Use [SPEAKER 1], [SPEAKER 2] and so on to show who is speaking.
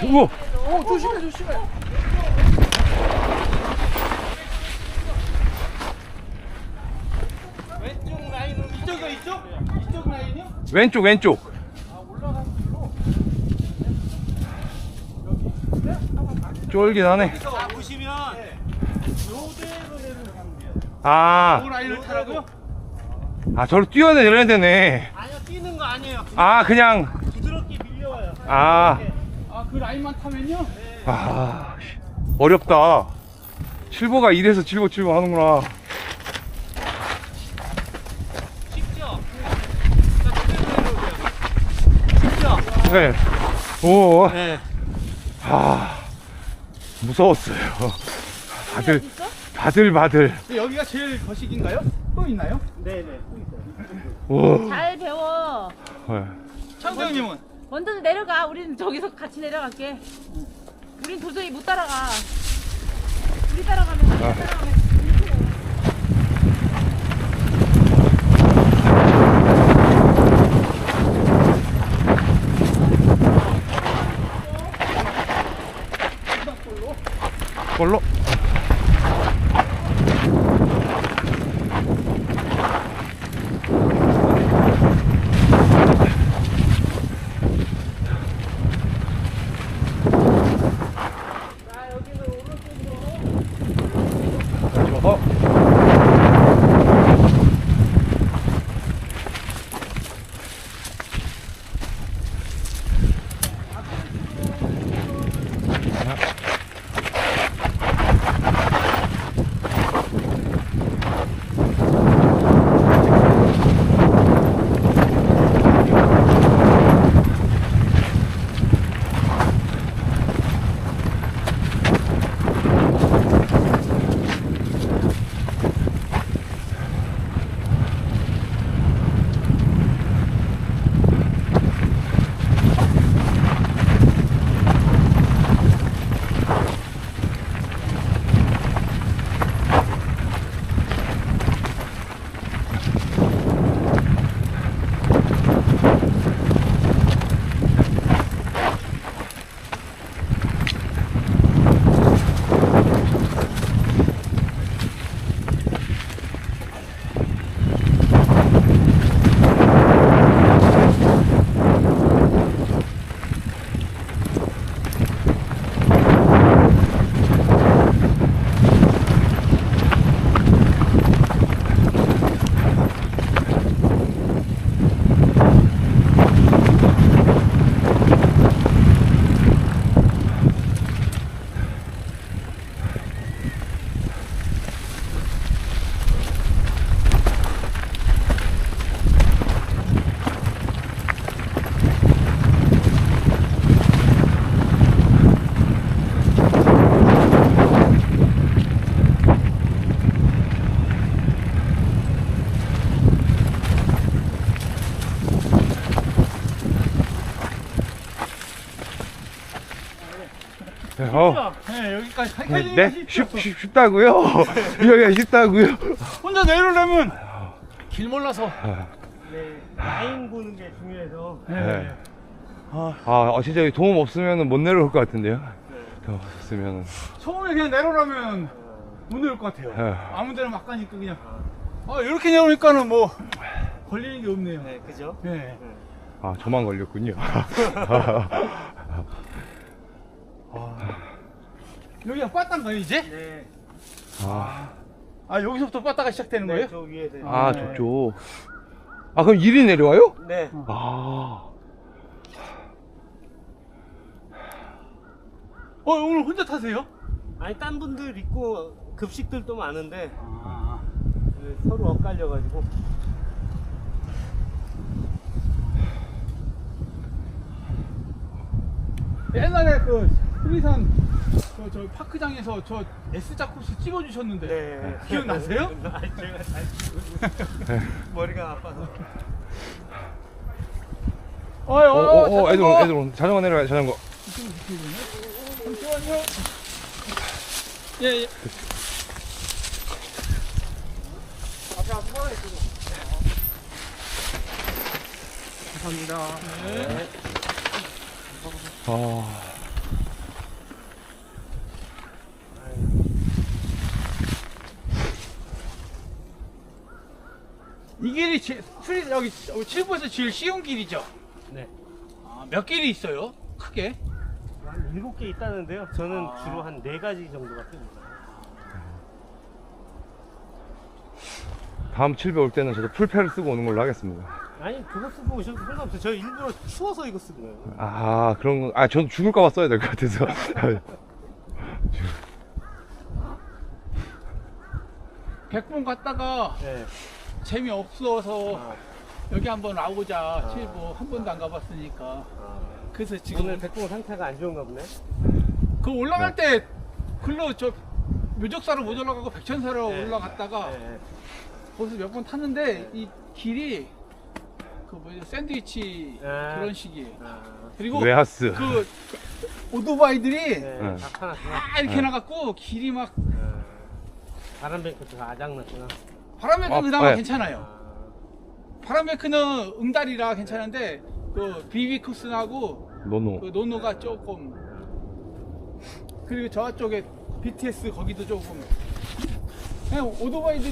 [SPEAKER 1] 우와.
[SPEAKER 2] 조심해 조심해. 왼쪽 라인은 이쪽 라인이요?
[SPEAKER 1] 왼쪽 왼쪽. 쫄깃하네.
[SPEAKER 2] 자 보시면 요대로 내려가면 돼요.
[SPEAKER 1] 아,
[SPEAKER 2] 요 라인을 타라고요?
[SPEAKER 1] 아 저로 뛰어내려야 되네.
[SPEAKER 2] 아니요 뛰는 거 아니에요.
[SPEAKER 1] 아 그냥.
[SPEAKER 2] 부드럽게 밀려와요.
[SPEAKER 1] 아,
[SPEAKER 2] 그 라인만 타면요?
[SPEAKER 1] 아 어렵다. 칠보가 이래서 칠보 하는구나.
[SPEAKER 2] 쉽죠? 자 그대로 내려오세요. 쉽죠?
[SPEAKER 1] 네. 오.
[SPEAKER 2] 네.
[SPEAKER 1] 아 무서웠어요. 바들.
[SPEAKER 2] 여기가 제일 거식인가요? 또 있나요? 네네 또 있어요.
[SPEAKER 1] 오.
[SPEAKER 3] 잘 배워.
[SPEAKER 1] 네.
[SPEAKER 2] 청장님은?
[SPEAKER 3] 먼저 내려가. 우리는 저기서 같이 내려갈게. 우린 도저히 못 따라가. 우리 따라가면
[SPEAKER 1] 걸로.
[SPEAKER 2] 네 여기까지
[SPEAKER 1] 네? 쉽다고요? 여기가 쉽다고요?
[SPEAKER 2] 혼자 내려오려면 길 몰라서. 네 라인 보는 게 중요해서.
[SPEAKER 1] 네. 진짜 여기 도움 없으면 못 내려올 것 같은데요? 도움 없으면.
[SPEAKER 2] 처음에 그냥 내려오려면 못 내려올 것 같아요.
[SPEAKER 1] 네.
[SPEAKER 2] 아무 데나 막 가니까 그냥. 이렇게 내려오니까는 뭐 걸리는 게 없네요.
[SPEAKER 4] 네, 그죠?
[SPEAKER 2] 네.
[SPEAKER 1] 저만 걸렸군요.
[SPEAKER 2] 여기가 빠따인가요 이제?
[SPEAKER 4] 네.
[SPEAKER 2] 여기서부터 빠따가 시작되는 거예요?
[SPEAKER 4] 저 위에서.
[SPEAKER 1] 저쪽. 그럼 이리 내려와요?
[SPEAKER 4] 네.
[SPEAKER 2] 오늘 혼자 타세요?
[SPEAKER 4] 아니, 딴 분들 있고 급식들도 많은데 서로 엇갈려가지고.
[SPEAKER 2] 옛날에 그 수리산 저 파크장에서 저 S자 코스 찍어주셨는데
[SPEAKER 4] 네.
[SPEAKER 2] 기억나세요?
[SPEAKER 4] 아니, 제가 잘 머리가 아파서.
[SPEAKER 1] 애들 온. 자전거 내려가요, 자전거.
[SPEAKER 2] 잠시만요. 예. 앞에 한번 있어. 감사합니다. 네. 여기 칠보에서 제일 쉬운 길이죠?
[SPEAKER 4] 네.
[SPEAKER 2] 아, 몇 길이 있어요? 크게?
[SPEAKER 4] 한 7개 있다는데요. 저는
[SPEAKER 2] 아.
[SPEAKER 4] 주로 한 4가지 정도가 뜹니다.
[SPEAKER 1] 다음 7배 올 때는 저도 풀패를 쓰고 오는 걸로 하겠습니다.
[SPEAKER 4] 아니 그거 쓰고 오셔도 상관없어요. 저 일부러 추워서 이거 쓴 거예요.
[SPEAKER 1] 아, 그런 거. 아, 저는 죽을까봐 써야 될 것 같아서.
[SPEAKER 2] 백봉 갔다가
[SPEAKER 4] 네.
[SPEAKER 2] 재미없어서
[SPEAKER 4] 아,
[SPEAKER 2] 여기 한번 나오자. 칠보 한 번도 안 가봤으니까.
[SPEAKER 4] 아.
[SPEAKER 2] 그래서 지금
[SPEAKER 4] 오늘 백봉 상태가 안 좋은가 보네.
[SPEAKER 2] 그 올라갈 때 글로 저 묘적사로 못 올라가고 백천사로
[SPEAKER 4] 네.
[SPEAKER 2] 올라갔다가
[SPEAKER 4] 네.
[SPEAKER 2] 거기서 몇 번 탔는데 이 길이 그 뭐지 샌드위치
[SPEAKER 4] 아.
[SPEAKER 2] 그런 식이에요.
[SPEAKER 4] 아,
[SPEAKER 2] 그리고
[SPEAKER 1] 웨하스.
[SPEAKER 2] 그 오토바이들이
[SPEAKER 4] 네.
[SPEAKER 1] 네.
[SPEAKER 4] 나타났구나.
[SPEAKER 2] 다 이렇게 나갔고 길이 막
[SPEAKER 4] 아, 바람뱅크가 아작났구나.
[SPEAKER 2] 바람에는 그나마
[SPEAKER 1] 네.
[SPEAKER 2] 괜찮아요.
[SPEAKER 4] 아,
[SPEAKER 2] 바람에크는 응달이라 괜찮은데 그 비비쿠스하고
[SPEAKER 1] 노노.
[SPEAKER 2] 그 노노가 조금 그리고 저쪽에 BTS 거기도 조금 그냥 오토바이들